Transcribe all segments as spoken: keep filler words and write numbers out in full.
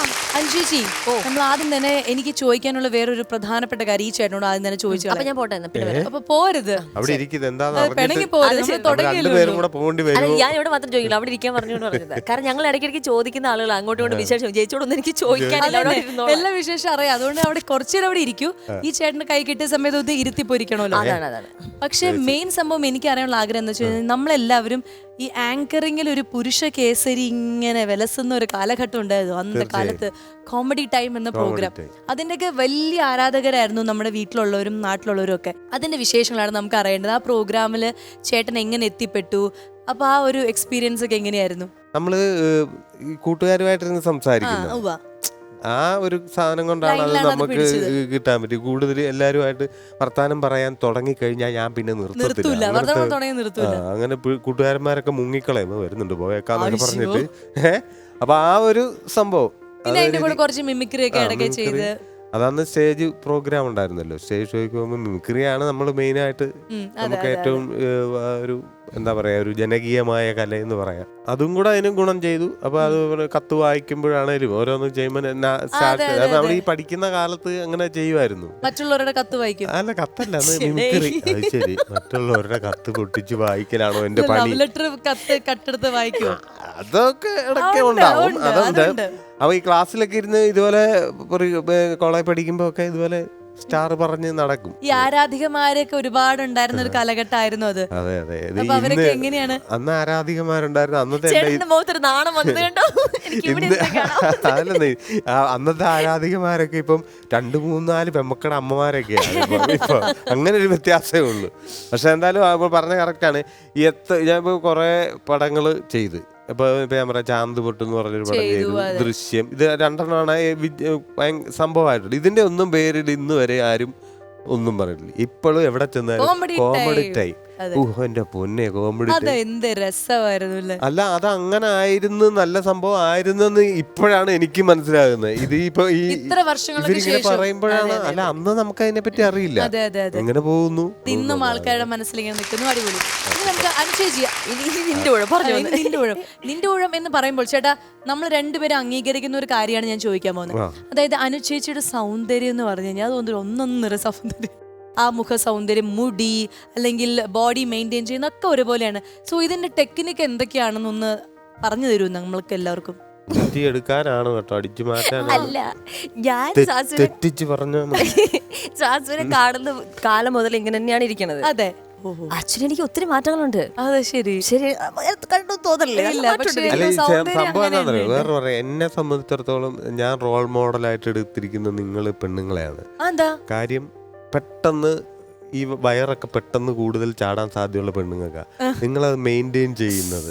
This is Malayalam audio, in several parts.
അഞ്ജുജി, നമ്മൾ ആദ്യം തന്നെ എനിക്ക് ചോദിക്കാനുള്ള വേറൊരു പ്രധാനപ്പെട്ട കാര്യം ഈ ചേട്ടനോട് ആദ്യം തന്നെ ചോദിച്ചു. അപ്പൊ ഞാൻ പോട്ടെ അപ്പൊ പോരുത്, അവിടെ ഇരിക്കുന്നത് പിണങ്ങി പോരുത്. ഞാൻ ഇവിടെ മാത്രം ചോദിക്കില്ല, അവിടെ ഇരിക്കാൻ പറഞ്ഞുകൊണ്ട് പറഞ്ഞത്. കാരണം ഞങ്ങൾ ഇടയ്ക്കിടയ്ക്ക് ചോദിക്കുന്ന ആളുകൾ അങ്ങോട്ടും ഇങ്ങോട്ടും വിശേഷം ചേച്ചിയോടൊന്നും എനിക്ക് ചോദിക്കാനില്ല, എല്ലാ വിശേഷം അറിയാം. അതുകൊണ്ട് അവിടെ കുറച്ചുനേരം അവിടെ ഇരിക്കൂ. ഈ ചേട്ടന് കൈ കിട്ടിയ സമയത്ത് ഒന്ന് ഇരുത്തി പൊരിക്കണമല്ലോ. അതാണ് അതാണ് പക്ഷെ മെയിൻ സംഭവം എനിക്ക് അറിയാനുള്ള ആഗ്രഹം എന്താ വെച്ച് കഴിഞ്ഞാൽ, നമ്മളെല്ലാവരും ഈ ആങ്കറിങ്ങിൽ ഒരു പുരുഷ കേസരി ഇങ്ങനെ വിലസുന്ന ഒരു കാലഘട്ടം ഉണ്ടായിരുന്നു അന്നത്തെ കാലത്ത്. കോമഡി ടൈം എന്ന പ്രോഗ്രാം, അതിന്റെയൊക്കെ വലിയ ആരാധകരായിരുന്നു നമ്മുടെ വീട്ടിലുള്ളവരും നാട്ടിലുള്ളവരും ഒക്കെ. അതിന്റെ വിശേഷങ്ങളാണ് നമുക്ക് അറിയേണ്ടത്. ആ പ്രോഗ്രാമില് ചേട്ടൻ എങ്ങനെ എത്തിപ്പെട്ടു, അപ്പൊ ആ ഒരു എക്സ്പീരിയൻസ് ഒക്കെ എങ്ങനെയായിരുന്നു? നമ്മള് കൂട്ടുകാരുമായിട്ടിരുന്ന് സംസാരിക്കുന്നു, ആ ഒരു സാധനം കൊണ്ടാണ് അത് നമുക്ക് കിട്ടാൻ പറ്റി. കൂടുതൽ എല്ലാവരുമായിട്ട് വർത്താനം പറയാൻ തുടങ്ങിക്കഴിഞ്ഞാൽ ഞാൻ പിന്നെ നിർത്തത്തില്ല. അങ്ങനെ കൂട്ടുകാരന്മാരൊക്കെ മുങ്ങിക്കളയും വരുന്നുണ്ട് പോയേക്കാന്നൊക്കെ പറഞ്ഞിട്ട്. ഏഹ് അപ്പൊ ആ ഒരു സംഭവം അതാണ്. സ്റ്റേജ് പ്രോഗ്രാം ഉണ്ടായിരുന്നല്ലോ, സ്റ്റേജ് ഷോയ്ക്ക് പോകുമ്പോൾ മിമിക്രിയാണ് നമ്മൾ മെയിനായിട്ട് നമുക്ക് ഏറ്റവും ഒരു എന്താ പറയാ ഒരു ജനകീയമായ കല എന്ന് പറയാം. അതും കൂടെ അതിനും ഗുണം ചെയ്തു. അപ്പൊ അതുപോലെ കത്ത് വായിക്കുമ്പോഴാണേലും ഓരോന്ന് ചെയ്യുമ്പോൾ നമ്മൾ ഈ പഠിക്കുന്ന കാലത്ത് അങ്ങനെ ചെയ്യുമായിരുന്നു. മറ്റുള്ളവരുടെ കത്ത് വായിക്കും. അല്ല, കത്തല്ല, അത് മിമിക്രി. അത് ശരി, മറ്റുള്ളവരുടെ കത്ത് പൊട്ടിച്ച് വായിക്കലാണോ എന്റെ പണി? കട്ടെടുത്ത് വായിക്കുമോ? അതൊക്കെ ഇടയ്ക്ക് ഉണ്ടാവും, അതുണ്ട്. അപ്പൊ ഈ ക്ലാസ്സിലൊക്കെ ഇരുന്ന് ഇതുപോലെ കോളേജ് പഠിക്കുമ്പോ ഒക്കെ ഇതുപോലെ സ്റ്റാർ പറഞ്ഞ് നടക്കും. ഈ ആരാധികമാരൊക്കെ ഒരുപാട് ഉണ്ടായിരുന്ന ഒരു കാലഘട്ടമായിരുന്നു അത്. അതെ അതെ. അവരൊക്കെ എങ്ങനെയാണ്? അന്ന് ആരാധികമാരുണ്ടായിരുന്നു. അന്നത്തെ അന്നത്തെ ആരാധികമാരൊക്കെ ഇപ്പം രണ്ടു മൂന്നാല് പെമ്മക്കട അമ്മമാരൊക്കെയാണ് ഇപ്പൊ. അങ്ങനെ ഒരു വ്യത്യാസമേ ഉള്ളൂ. പക്ഷെ എന്തായാലും പറഞ്ഞ കറക്റ്റാണ്. ഈ എത്ര ഞാൻ ഇപ്പൊ കൊറേ പടങ്ങള് ചെയ്ത്, ഇപ്പൊ ഇപ്പൊ ഞാൻ പറയാം ചാന്ത് പൊട്ട് എന്ന് പറഞ്ഞൊരു പടം ചെയ്തു, ദൃശ്യം, ഇത് രണ്ടെണ്ണമാണ് സംഭവമായിട്ടുള്ളത്. ഇതിന്റെ ഒന്നും പേരിൽ ഇന്ന് വരെ ആരും ഒന്നും പറഞ്ഞിട്ടില്ല. ഇപ്പോഴും എവിടെ ചെന്നാലും കോമഡി ടൈം. എന്റെ പൊന്നെ, കോമഡി എന്ത് രസമായിരുന്നു. അല്ല, അത് അങ്ങനെ ആയിരുന്നു, നല്ല സംഭവം ആയിരുന്നെന്ന് ഇപ്പോഴാണ് എനിക്ക് മനസ്സിലാകുന്നത്. ഇത് ഇപ്പൊ ഈ ഇവരിങ്ങനെ പറയുമ്പോഴാണ്. അല്ല, അന്ന് നമുക്ക് അതിനെ പറ്റി അറിയില്ല. എങ്ങനെ പോകുന്നു ഇന്നും ആൾക്കാരുടെ മനസ്സിലിങ്ങനെ നിൽക്കുന്നു. അടിപൊളി. നിന്റെ ഊഴം എന്ന് പറയുമ്പോൾ ചേട്ടാ, നമ്മൾ രണ്ടുപേരും അംഗീകരിക്കുന്ന ഒരു കാര്യമാണ് ഞാൻ ചോദിക്കാൻ പോകുന്നത്. അതായത് അനുചേച്ചിയുടെ സൗന്ദര്യം എന്ന് പറഞ്ഞു കഴിഞ്ഞാൽ അതൊന്നും ഒന്നൊന്നര സൗന്ദര്യം. ആ മുഖ സൗന്ദര്യം, മുടി, അല്ലെങ്കിൽ ബോഡി മെയിൻറ്റെയിൻ ചെയ്യുന്നൊക്കെ ഒരുപോലെയാണ്. സോ ഇതിന്റെ ടെക്നിക്ക് എന്തൊക്കെയാണെന്നൊന്ന് പറഞ്ഞു തരൂ നമ്മൾക്ക് എല്ലാവർക്കും. എടുക്കാനാണ് കേട്ടോ, അടിച്ചു മാറ്റാൻ അല്ല. ഞാൻ തെറ്റിച്ച് പറഞ്ഞ സാസുവിനെ കാണുന്ന കാലം മുതൽ ഇങ്ങനെ തന്നെയാണ് ഇരിക്കണത്. അതെ, ആക്ച്വലി എനിക്ക് ഒത്തിരി മാറ്റങ്ങളുണ്ട്. അതെ, ശരി ശരി കണ്ടു തോന്നല്ലേ? സംഭവം എന്താ വേറെ പറയാം. എന്നെ സംബന്ധിച്ചിടത്തോളം ഞാൻ റോൾ മോഡലായിട്ട് എടുത്തിരിക്കുന്ന നിങ്ങൾ പെണ്ണുങ്ങളെയാണ്. കാര്യം പെട്ടെന്ന് ഈ വയറൊക്കെ പെട്ടെന്ന് കൂടുതൽ ചാടാൻ സാധ്യതയുള്ള പെണ്ണുങ്ങൾക്കാ നിങ്ങളത് മെയിൻറ്റെയിൻ ചെയ്യുന്നത്.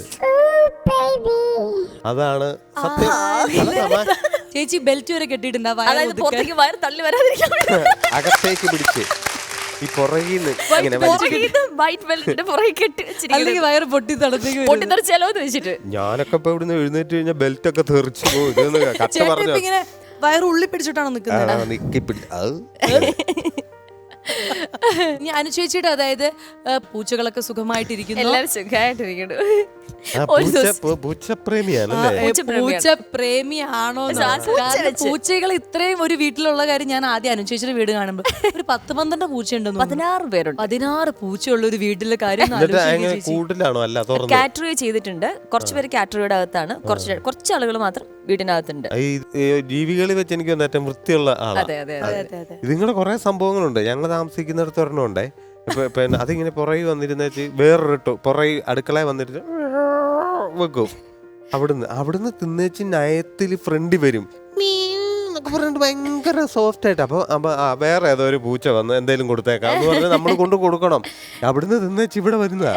അതാണ് സത്യം. ചേച്ചി ബെൽറ്റ് വരെ കെട്ടിയിട്ടുണ്ടാവും, അകത്തേക്ക് പിടിച്ച് ഈ പുറകിന്ന് ഞാനൊക്കെ ഇപ്പൊ ഇവിടുന്ന് എഴുന്നേറ്റ് കഴിഞ്ഞാൽ ബെൽറ്റ് ഒക്കെ തെറിച്ചു പോകും. കട്ട പറഞ്ഞു വയറ് ഉള്ളി പിടിച്ചിട്ടാണോ നിൽക്കുന്നത്? അനുചേച്ചിയുടെ അതായത് പൂച്ചകളൊക്കെ സുഖമായിട്ടിരിക്കുന്നു, എല്ലാവരും സുഖമായിട്ടിരിക്കുന്നു. പൂച്ചപ്രേമിയാണോ? പൂച്ചകൾ ഇത്രയും ഒരു വീട്ടിലുള്ള കാര്യം ഞാൻ ആദ്യം അനുചേച്ചിയുടെ വീട് കാണുമ്പോൾ ഒരു പത്ത് പന്ത്രണ്ട് പൂച്ചയുണ്ടെന്ന്, പതിനാറ് പേരുണ്ട്. പതിനാറ് പൂച്ചയുള്ള ഒരു വീട്ടിലെ കാര്യം കാറ്ററി ചെയ്തിട്ടുണ്ട്. കുറച്ച് പേര് കാറ്ററിയുടെ അകത്താണ്, കുറച്ച് കുറച്ച് ആളുകൾ മാത്രം വീടിനകത്തുണ്ട്. ജീവികളിൽ വെച്ച് എനിക്ക് ഏറ്റവും വൃത്തിയുള്ള ആളാണ്. ഇതിങ്ങനെ കുറെ സംഭവങ്ങളുണ്ട്. ഞങ്ങൾ താമസിക്കുന്നിടത്ത് ഒരെണ്ണമുണ്ടേ. പിന്നെ അതിങ്ങനെ പുറകെ വന്നിരുന്ന വേറൊരു പുറകെ അടുക്കളയിൽ വന്നിട്ട് വെക്കും. അവിടുന്ന് അവിടുന്ന് തിന്നേച്ച് നയത്തിൽ ഫ്രണ്ട് വരും പറഞ്ഞിട്ട് ഭയങ്കര സോഫ്റ്റ് ആയിട്ട്. അപ്പൊ വേറെ ഏതോ ഒരു പൂച്ച വന്ന് എന്തെങ്കിലും കൊടുത്തേക്കാം എന്ന് പറഞ്ഞാൽ നമ്മൾ കൊണ്ട് കൊടുക്കണം. അവിടുന്ന് തിന്നേച്ച് ഇവിടെ വരുന്നതാ.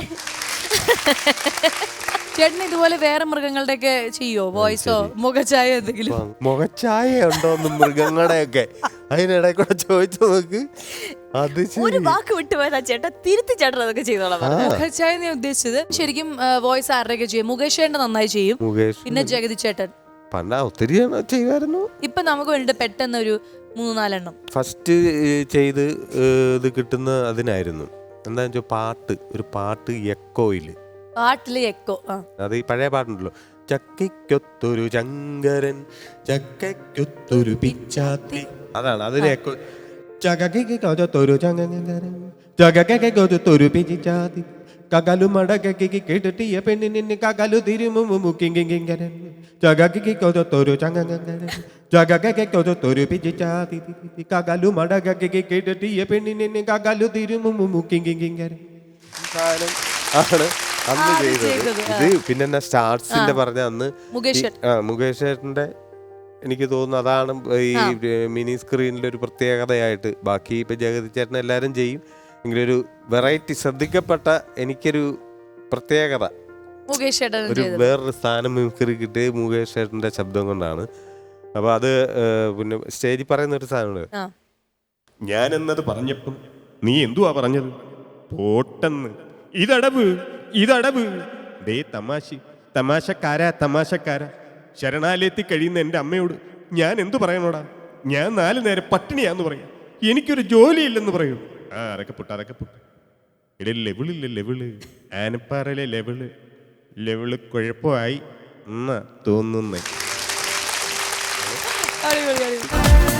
ചേട്ടൻ ഇതുപോലെ വേറെ മൃഗങ്ങളുടെ ഒക്കെ ചെയ്യോ? വോയിസോ മുഖച്ചായ എന്തെങ്കിലും? മുഖച്ചായ ഉണ്ടോന്ന് മൃഗങ്ങളുടെ ഒക്കെ അതിനിടെ കൂടെ ചോദിച്ചു നോക്ക്. അത് ഒരു വാക്ക് വിട്ടുപോയതാ ചേട്ടാ, തിരുത്തി ചേട്ടൻ അതൊക്കെ ചെയ്തോളാം. മുഖച്ചായ ഞാൻ ഉദ്ദേശിച്ചത് ശരിക്കും വോയിസ് ആരുടെയൊക്കെ ചെയ്യും? മുകേഷ് ചേട്ടൻ നന്നായി ചെയ്യും, പിന്നെ ജഗതി ചേട്ടൻ പണ്ട് ഒത്തിരി ചെയ്യുമായിരുന്നു. ഇപ്പൊ നമുക്ക് വേണ്ടിട്ട് പെട്ടെന്ന് ഒരു മൂന്ന് നാലെണ്ണം ഫസ്റ്റ് ചെയ്ത് ഇത് കിട്ടുന്ന അതിനായിരുന്നു. എന്താ വെച്ചാൽ പാട്ട്, ഒരു പാട്ട് എക്കോയില്, പാട്ടില് എക്കോ. അത് ഈ പഴയ പാട്ടുണ്ടല്ലോ, ചക്കയ്ക്കൊത്തൊരു ചങ്കരൻ ചക്കയ്ക്കൊത്തൊരു പിച്ചാത്തി. അതാണ് അതിന് എക്കോ. ചകക്കൊത്തൊരു ചങ്കരൻ ചകക്കൊത്തൊരു പിച്ചാത്തി കകലു മടക്കി കേട്ടിട്ടിയ പെണ്ണിന് കകലു തിരുമുമുക്കിങ്കരൻ ചകക്കൊത്തൊരു ചങ്കരൻ ചകക്കൊത്തൊരു പിച്ചാത്തി കകലു മടക്കി കേട്ടിട്ടിയ പെണ്ണിന് കകലു തിരുമുമുക്കിങ്കരൻ ആണ് അന്ന് ചെയ്തത്. ഇത് പിന്നെ സ്റ്റാർസിന്റെ പറഞ്ഞ അന്ന് മുകേഷ് ചേട്ടന്റെ എനിക്ക് തോന്നുന്നു അതാണ് ഈ മിനി സ്ക്രീനിലെ ഒരു പ്രത്യേകതയായിട്ട്. ബാക്കി ഇപ്പൊ ജഗതി ചേട്ടൻ എല്ലാരും ചെയ്യും എങ്കിലൊരു വെറൈറ്റി ശ്രദ്ധിക്കപ്പെട്ട എനിക്കൊരു പ്രത്യേകത ഒരു വേറൊരു സ്ഥാനം മിമിക്രി കിട്ടിയ മുകേഷ് ചേട്ടന്റെ ശബ്ദം കൊണ്ടാണ്. അപ്പൊ അത് പിന്നെ സ്റ്റേജിൽ പറയുന്ന ഒരു സാധനമുണ്ട്, ഞാൻ എന്നത് പറഞ്ഞപ്പം നീ എന്തുവാ പറഞ്ഞത്? പോട്ടെന്ന്. ഇതടവ് ഇതടവ് ദേ തമാശ തമാശക്കാരാ തമാശക്കാരാ. ശരണാലയത്തിൽ കഴിയുന്ന എൻ്റെ അമ്മയോട് ഞാൻ എന്തു പറയണോടാ? ഞാൻ നാല് നേരം പട്ടിണിയാന്ന് പറയാം, എനിക്കൊരു ജോലിയില്ലെന്ന് പറയൂ. ആ അതൊക്കെ പുട്ട് അതൊക്കെ പുട്ട് ഇവിടെ ലെവിളില്ല ലെവിള് ആനപ്പാറയിലെ ലെവിള് ലെവിള് കുഴപ്പമായി എന്നാ തോന്നുന്നേ.